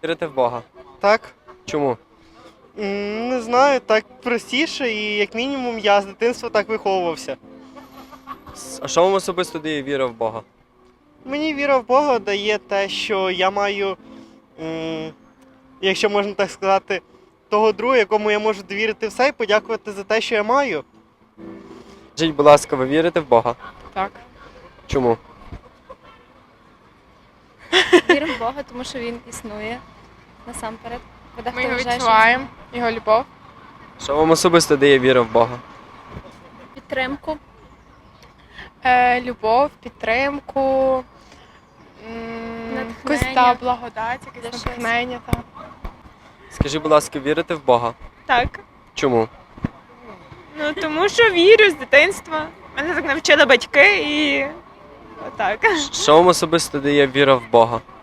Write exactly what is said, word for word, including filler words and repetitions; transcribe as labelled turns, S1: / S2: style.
S1: Вірите в Бога?
S2: Так.
S1: Чому?
S2: М, Не знаю, так простіше і як мінімум я з дитинства так виховувався.
S1: С- А що вам особисто дає віра в Бога?
S2: Мені віра в Бога дає те, що я маю, м, якщо можна так сказати, того друга, якому я можу довірити все і подякувати за те, що я маю.
S1: Скажіть, будь ласка, ви вірите в Бога?
S3: Так.
S1: Чому?
S4: Віримо в Бога, тому що він існує насамперед. Бо дехто
S3: Ми його
S4: вважає, що
S3: відчуваємо, його любов.
S1: Що вам особисто дає віра в Бога?
S4: це підтримку.
S3: Е, любов, підтримку, м, якусь
S4: Натхнення.
S3: та благодать,
S4: Для
S3: якесь
S4: щось.
S3: натхнення. Та.
S1: Скажіть, будь ласка, вірите в Бога?
S5: Так.
S1: Чому?
S5: Ну тому що вірю з дитинства. Мене так навчили батьки і отак.
S1: Що вам особисто дає віра в Бога?